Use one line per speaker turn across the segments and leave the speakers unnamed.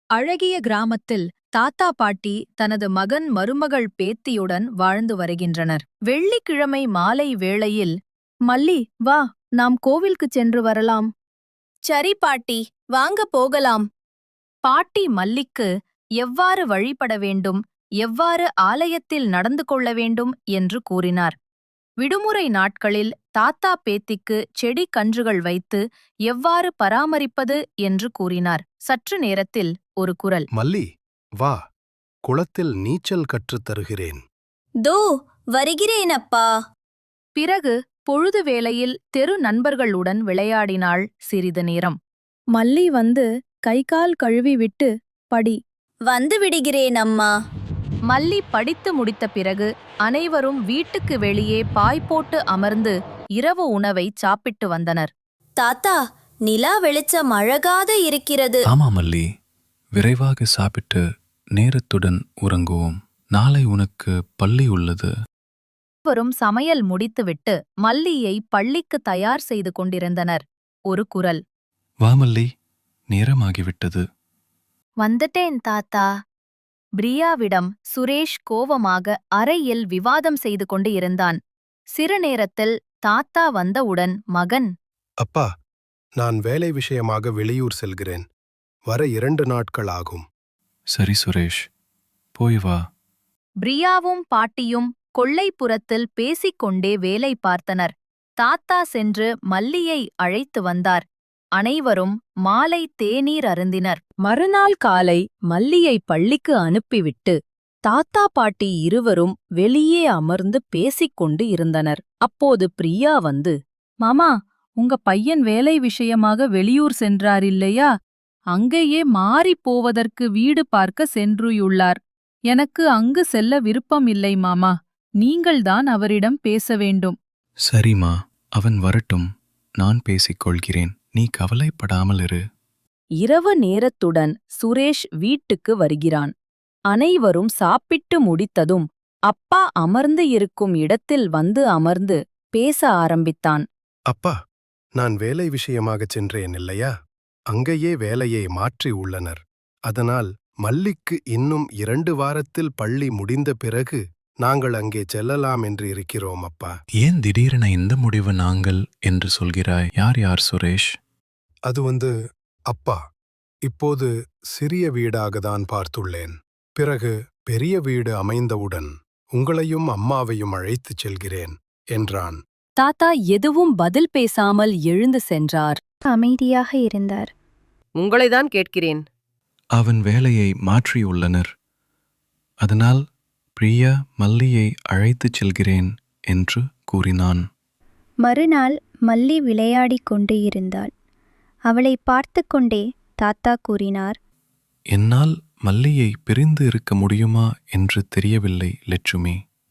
அழகிய கிராமத்தில் தாத்தா பாட்டி தனது மகன் மருமகள் பேத்தியுடன் வாழ்ந்து வருகின்றனர். வெள்ளிக்கிழமை மாலை வேளையில், மல்லி, வா, நாம் கோவிலுக்குச் சென்று வரலாம்.
சரி பாட்டி, வாங்க போகலாம்.
பாட்டி மல்லிக்கு எவ்வாறு வழிபட வேண்டும், எவ்வாறு ஆலயத்தில் நடந்து கொள்ள வேண்டும் என்று கூறினார். விடுமுறை நாட்களில் தாத்தா பேத்திக்கு செடி கன்றுகள் வைத்து எவ்வாறு பராமரிப்பது என்று கூறினார். சற்று நேரத்தில் ஒரு குரல்,
மல்லி, வா, குளத்தில் நீச்சல் கற்றுத் தருகிறேன்.
தோ வருகிறேன் அப்பா.
பிறகு பொழுது வேளையில் தெரு நண்பர்களுடன் விளையாடினாள் சிறிது நேரம். மல்லி வந்து கைகால் கழுவி விட்டு, படி.
வந்து விடுகிறேன் அம்மா.
மல்லி படித்து முடித்த பிறகு அனைவரும் வீட்டுக்கு வெளியே பாய் போட்டு அமர்ந்து இரவு உணவை சாப்பிட்டு வந்தனர்.
தாத்தா, நிலா வெளிச்சம் அழகாக இருக்கிறது.
ஆமா மல்லி, விரைவாக சாப்பிட்டு நேரத்துடன் உறங்குவோம். நாளை உனக்கு பள்ளி உள்ளது.
அனைவரும் சமையல் முடித்துவிட்டு மல்லியை பள்ளிக்கு தயார் செய்து கொண்டிருந்தனர். ஒரு குரல்,
வா மல்லி, நேரமாகிவிட்டது.
வந்துட்டேன் தாத்தா. பிரியாவிடம் சுரேஷ் கோவமாக அறையில் விவாதம் செய்து கொண்டு இருந்தான். சிறு நேரத்தில் தாத்தா வந்தவுடன் மகன்,
அப்பா, நான் வேலை விஷயமாக வெளியூர் செல்கிறேன். வர 2 நாட்கள் ஆகும்.
சரி சுரேஷ், போய் வா.
பிரியாவும் பாட்டியும் கொல்லைப்புறத்தில் பேசிக்கொண்டே வேலை பார்த்தனர். தாத்தா சென்று மல்லியை அழைத்து வந்தார். அனைவரும் மாலை தேநீர் அருந்தினர். மறுநாள் காலை மல்லியை பள்ளிக்கு அனுப்பிவிட்டு தாத்தா பாட்டி இருவரும் வெளியே அமர்ந்து பேசிக்கொண்டு இருந்தனர். அப்போது பிரியா வந்து, மாமா, உங்க பையன் வேலை விஷயமாக வெளியூர் சென்றார் இல்லையா? அங்கேயே மாறிப் போவதற்கு வீடு பார்க்க சென்றுயுள்ளார். எனக்கு அங்கு செல்ல விருப்பம் இல்லை மாமா. நீங்கள்தான் அவரிடம் பேச வேண்டும்.
சரிம்மா, அவன் வரட்டும், நான் பேசிக்கொள்கிறேன். நீ கவலைப்படாமல் இரு.
இரவு நேரத்துடன் சுரேஷ் வீட்டுக்கு வருகிறான். அனைவரும் சாப்பிட்டு முடித்ததும் அப்பா அமர்ந்து இருக்கும் இடத்தில் வந்து அமர்ந்து பேச ஆரம்பித்தான்.
அப்பா, நான் வேலை விஷயமாகச் சென்றேன் இல்லையா? அங்கேயே வேலையை மாற்றி உள்ளனர். அதனால் மல்லிக்கு இன்னும் 2 வாரத்தில் பள்ளி முடிந்த பிறகு நாங்கள் அங்கே செல்லலாம் என்று இருக்கிறோம் அப்பா.
ஏன் திடீரென இந்த முடிவு நாங்கள் என்று சொல்கிறாய்? யார் யார் சுரேஷ்?
அது அப்பா, இப்போது சிறிய வீடாகத்தான் பார்த்துள்ளேன். பிறகு பெரிய வீடு அமைந்தவுடன் உங்களையும் அம்மாவையும் அழைத்துச் செல்கிறேன் என்றான்.
தாத்தா எதுவும் பதில் பேசாமல் எழுந்து சென்றார்.
அமைதியாக இருந்தார்.
உங்களைதான் கேட்கிறேன்.
அவன் வேலையை மாற்றியுள்ளனர். அதனால் பிரியா மல்லியை அழைத்துச் செல்கிறேன் என்று கூறினான்.
மறுநாள் மல்லி விளையாடிக் கொண்டு இருந்தாள். அவளை பார்த்து கொண்டே தாத்தா கூறினார்,
என்னால் மல்லியை பிரிந்து இருக்க முடியுமா என்று தெரியவில்லை லட்சுமி.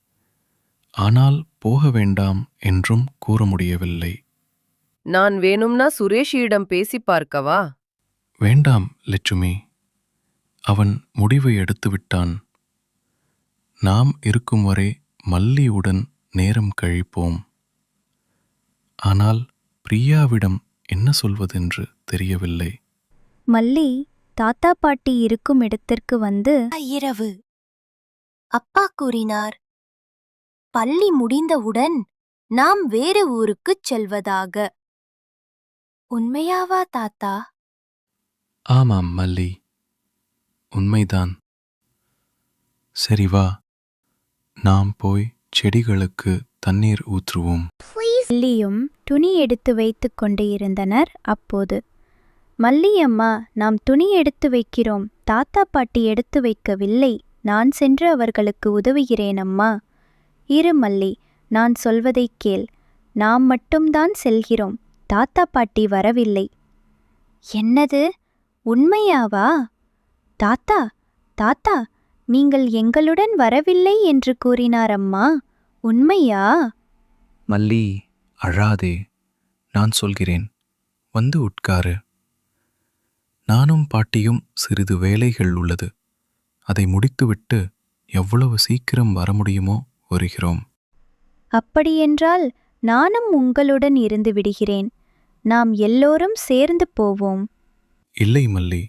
ஆனால் போக வேண்டாம் என்றும் கூற முடியவில்லை.
நான் வேணும்னா சுரேஷியிடம் பேசி பார்க்கவா?
வேண்டாம் லட்சுமி, அவன் முடிவை எடுத்துவிட்டான். நாம் இருக்கும் வரை மல்லியுடன் நேரம் கழிப்போம். ஆனால் பிரியாவிடம் என்ன சொல்வதென்று தெரியவில்லை.
மல்லி தாத்தா பாட்டி இருக்கும் இடத்திற்கு வந்து,
இரவு அப்பா கூறினார், பள்ளி முடிந்தவுடன் நாம் வேறு ஊருக்குச் செல்வதாக. உண்மையாவா தாத்தா?
ஆமாம் மல்லி, உண்மைதான். சரி வா, நாம் போய் செடிகளுக்கு தண்ணீர் ஊற்றுவோம்.
மல்லியும் துணி எடுத்து வைத்துக் கொண்டு இருந்தனர். அப்போது, மல்லியம்மா, நாம் துணி எடுத்து வைக்கிறோம். தாத்தா பாட்டி எடுத்து வைக்கவில்லை. நான் சென்று அவர்களுக்கு உதவுகிறேன் அம்மா. இரு மல்லி, நான் சொல்வதைக் கேள். நாம் மட்டும்தான் செல்கிறோம். தாத்தா பாட்டி வரவில்லை. என்னது, உண்மையாவா? தாத்தா, தாத்தா, நீங்கள் எங்களுடன் வரவில்லை என்று கூறினார் அம்மா. உண்மையா?
மல்லி, அழாதே, நான் சொல்கிறேன். வந்து உட்காரு. நானும் பாட்டியும் சிறிது வேலைகள் உள்ளது. அதை முடித்துவிட்டு எவ்வளவு சீக்கிரம் வர முடியுமோ வருகிறோம்.
அப்படியென்றால் நானும் உங்களுடன் இருந்து விடுகிறேன். நாம் எல்லோரும் சேர்ந்து போவோம்.
இல்லை மல்லி,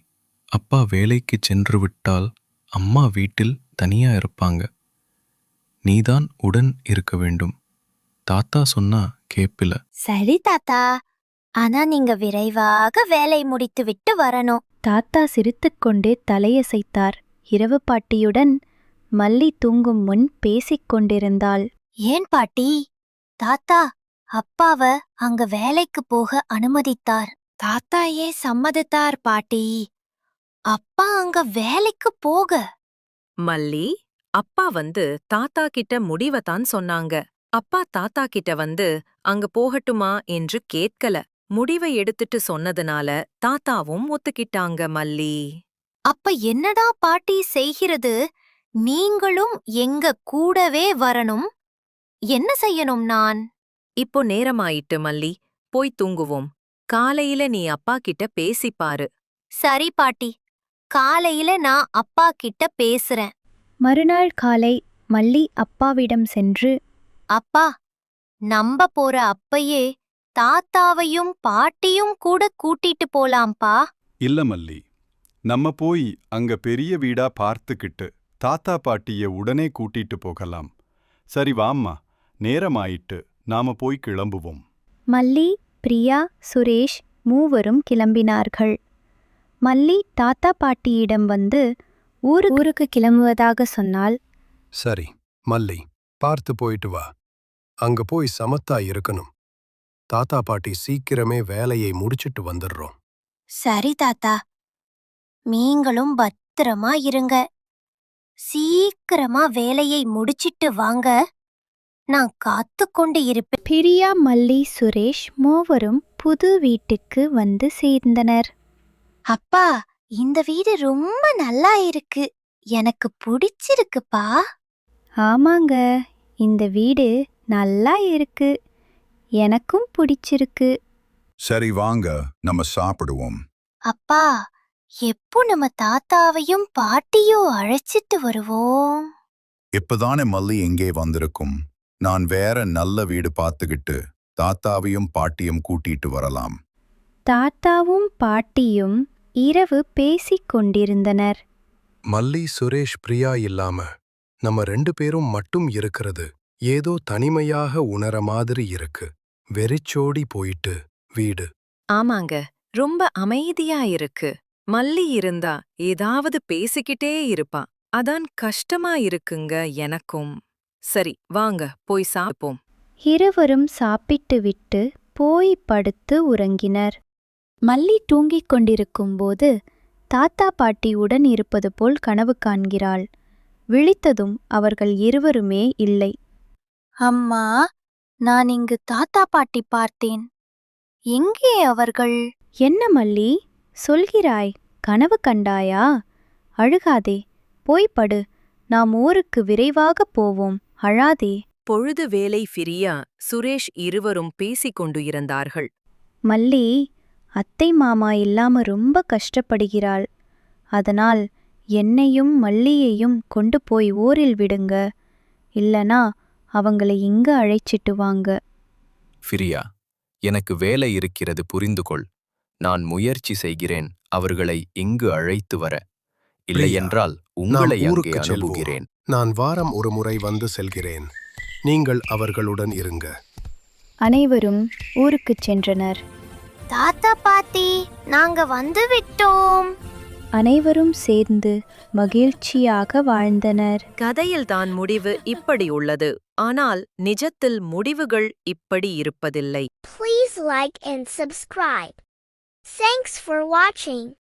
அப்பா வேலைக்கு சென்று விட்டால் அம்மா வீட்டில் தனியா இருப்பாங்க. நீதான் உடன் இருக்க வேண்டும். தாத்தா சொன்னா கேப்பில.
சரி தாத்தா, ஆனா நீங்க விரைவாக வேலை முடித்துவிட்டு வரணும்.
தாத்தா சிரித்துக்கொண்டே தலையசைத்தார். இரவு பாட்டியுடன் மல்லி தூங்கும் முன் பேசிக் கொண்டிருந்தாள்.
ஏன் பாட்டி, தாத்தா அப்பாவ அங்க வேலைக்கு போக அனுமதித்தார். தாத்தா ஏன் சம்மதித்தார் பாட்டி? அப்பா அங்க வேலைக்கு போக.
மல்லி, அப்பா தாத்தா கிட்ட முடிவதான் சொன்னாங்க. அப்பா தாத்தா கிட்ட அங்க போகட்டுமா என்று கேட்கல. முடிவை எடுத்துட்டு சொன்னதுனால தாத்தாவும் ஒத்துக்கிட்டாங்க மல்லி.
அப்ப என்னடா பாட்டி செய்கிறது? நீங்களும் எங்க கூடவே வரணும். என்ன செய்யணும் நான்?
இப்போ நேரமாயிட்டு மல்லி, போய் தூங்குவோம். காலையில நீ அப்பா கிட்ட பேசிப்பாரு.
சரி பாட்டி, காலையில நான் அப்பா கிட்ட பேசுறேன்.
மறுநாள் காலை மல்லி அப்பாவிடம் சென்று,
அப்பா, நம்ப போற அப்பயே தாத்தாவையும் பாட்டியும் கூட கூட்டிட்டு போலாம்பா.
இல்ல மல்லி, நம்ம போய் அங்க பெரிய வீடா பார்த்துக்கிட்டு தாத்தா பாட்டிய உடனே கூட்டிட்டு போகலாம். சரி வாம்மா, நேரமாயிட்டு, நாம போய் கிளம்புவோம்.
மல்லி, பிரியா, சுரேஷ் மூவரும் கிளம்பினார்கள். மல்லி தாத்தா பாட்டியிடம் வந்து ஊருக்கு கிளம்புவதாக சொன்னாள்.
சரி மல்லி, பார்த்து போயிட்டு வா. அங்க போய் சமத்தா இருக்கணும். தாத்தா பாட்டி சீக்கிரமே வேலையை முடிச்சிட்டு வந்துடுறோம்.
சரி தாத்தா, நீங்களும் பத்திரமா இருங்க. சீக்கிரமா வேலையை முடிச்சிட்டு வாங்க. நான் காத்துக்கொண்டு இருப்பேன்.
பிரியா, மல்லி, சுரேஷ் மூவரும் புது வீட்டுக்கு வந்து சேர்ந்தனர்.
அப்பா, இந்த வீடு ரொம்ப நல்லா இருக்கு. எனக்கு பிடிச்சிருக்குப்பா.
ஆமாங்க, இந்த வீடு நல்லா இருக்கு. எனக்கும் பிடிச்சிருக்கு.
சரி வாங்க, நம்ம சாப்பிடுவோம்.
அப்பா, எப்போ நம்ம தாத்தாவையும் பாட்டியும் அழைச்சிட்டு வருவோம்?
இப்பதானே மல்லி எங்கே வந்திருக்கும். நான் வேற நல்ல வீடு பார்த்துக்கிட்டு தாத்தாவையும் பாட்டியும் கூட்டிட்டு வரலாம்.
தாத்தாவும் பாட்டியும் இரவு பேசிக் கொண்டிருந்தனர்.
மல்லி, சுரேஷ், பிரியா இல்லாம நம்ம 2 பேரும் மட்டும் இருக்கிறது ஏதோ தனிமையாக உணர மாதிரி இருக்கு. வெறிச்சோடி போயிட்டு வீடு.
ஆமாங்க, ரொம்ப அமைதியா இருக்கு. மல்லி இருந்தா ஏதாவது பேசிக்கிட்டே இருப்பா. அதான் கஷ்டமா இருக்குங்க எனக்கும். சரி வாங்க, போய் சாப்பிப்போம்.
இருவரும் சாப்பிட்டுவிட்டு போய் படுத்து உறங்கினர். மல்லி தூங்கிக் கொண்டிருக்கும்போது தாத்தா பாட்டியுடன் இருப்பது போல் கனவு காண்கிறாள். விழித்ததும் அவர்கள் இருவருமே இல்லை.
அம்மா, நான் இங்கு தாத்தா பாட்டி பார்த்தேன். எங்கே அவர்கள்?
என்ன மல்லி சொல்கிறாய்? கனவு கண்டாயா? அழுகாதே, போய் படு. நாம் ஊருக்கு விரைவாக போவோம். அழாதே.
பொழுது வேலை பிரியா, சுரேஷ் இருவரும் பேசிக் கொண்டு இருந்தார்கள்.
மல்லி, அத்தை மாமா இல்லாம ரொம்ப கஷ்டப்படுகிறாள். அதனால் என்னையும் மல்லியையும் கொண்டு போய் ஊரில் விடுங்க. இல்லனா அவங்களை இங்க அழைச்சிட்டு வாங்க.
பிரியா, எனக்கு வேலை இருக்கிறது, புரிந்து கொள். நான் முயற்சி செய்கிறேன் அவர்களை இங்கு அழைத்து வர. இல்லையென்றால் உங்களை
நாம்
அங்கே
ஊருக்கு செல்வோம்.
அனுப்புகிறேன்.
நான் வாரம் ஒரு முறை வந்து செல்கிறேன். நீங்கள் அவர்களுடன் இருங்க.
அனைவரும் ஊருக்குச் சென்றனர்.
தாத்தா பாட்டி, நாங்க வந்து விட்டோம்.
அனைவரும் சேர்ந்து மகிழ்ச்சியாக வாழ்ந்தனர்.
கதையில்தான் முடிவு இப்படி உள்ளது. ஆனால் நிஜத்தில் முடிவுகள் இப்படி இருப்பதில்லை.
Please like and subscribe. Thanks for watching.